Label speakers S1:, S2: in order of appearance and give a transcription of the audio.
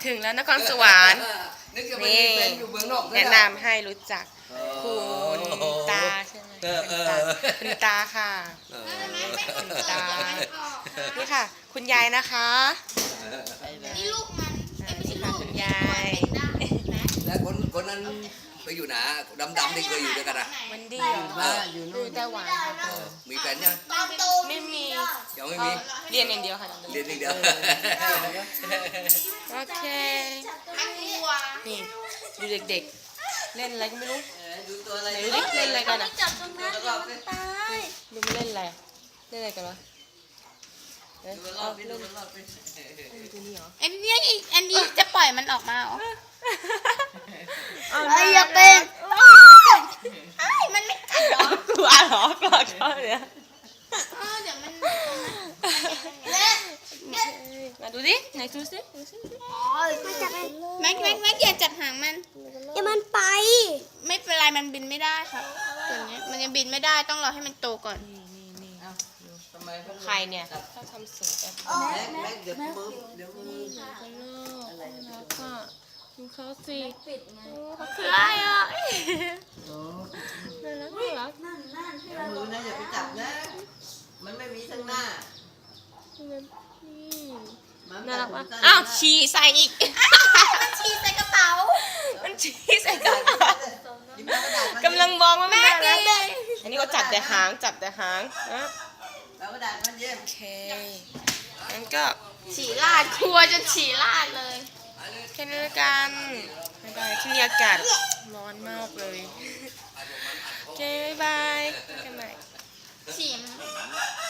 S1: ถึงแล้วนครสวรรค์นี่แนะนำให้รู้จักคุณตาใช่ไหมคุณตาค่ะคุณตานี่ค่ะคุณยายนะคะ
S2: นี่ลูกมัน
S1: นี่ค่ะคุณยาย
S3: แล้วคนนั้นไปอยู่ไหนดำๆที่เคยอยู่ด้วยกันอ่ะ
S1: วันดีเหรออยู่ไต้หวันค่ะ
S3: มีแฟนยัง
S1: ไม่มี
S3: ยังไม่มี
S1: เรียนอย่างเดียวค่ะ
S3: เรียนอย่างเดียว
S1: โอเค
S2: มันวัว
S1: นี่ดูเด็กๆเล่นอะไรก็ไม่รู้
S3: ดูตัวอะไร
S1: ไหนดูดิเล่นอะไรกันอ่ะ
S2: จับตรงนั้นมันตาย
S1: ดูไม่เล่นอะไรเล่นอะไรกันวะเอ้ย
S3: ดูร
S1: เอา
S3: อบไป
S1: เล่
S3: ดู
S1: น
S3: รอบไป
S1: ดูนี่เหรอ
S2: อันนี้จะปล่อยมันออกมาเหรอ
S1: ไอ้ยา
S2: เป็นมันไม่กัดหรอก
S1: ลัวเหรอกลัวเขาเนี่ย
S2: เดี๋ยวมัน
S1: มาดูดิไหนดูสิ
S2: แม็กอย่าจับหางมัน
S4: อย่ามันไป
S2: ไม่เป็นไรมันบินไม่ได้ค่ะตัวนี้มันยังบินไม่ได้ต้องรอให้มันโตก่อน
S1: นี่
S3: ทำไม
S1: ใครเนี่ยชอบทำเสียงแบบ
S3: แม็กเดี๋ยวมือ
S1: กันโลกแล้วก็ดูเขาสิเขาคืออะไรอ่ะน่ารัก
S3: มือนะอย่าไปจับนะ มันไม่มีทั้งหน้า
S1: น่ารักมากอ้าวฉี่ใส่อีก
S2: มันฉี่ใส่กระเป๋า
S1: มันฉี่ใส่กระเป๋ากำลังมองว่ามันน่ารักอันนี้ก็จับแต่หางนะ
S3: แล้วกระดาษมันเยี่ยม
S1: โอเคงั้นก็
S2: ฉี่ราดครัวจนฉี่ราดเลย
S1: แค่นี้ละกันบ๊ายบายที่นี่อากาศร้อนมากเลยโอเคบ๊ายบายกันใหม่
S2: ฉี่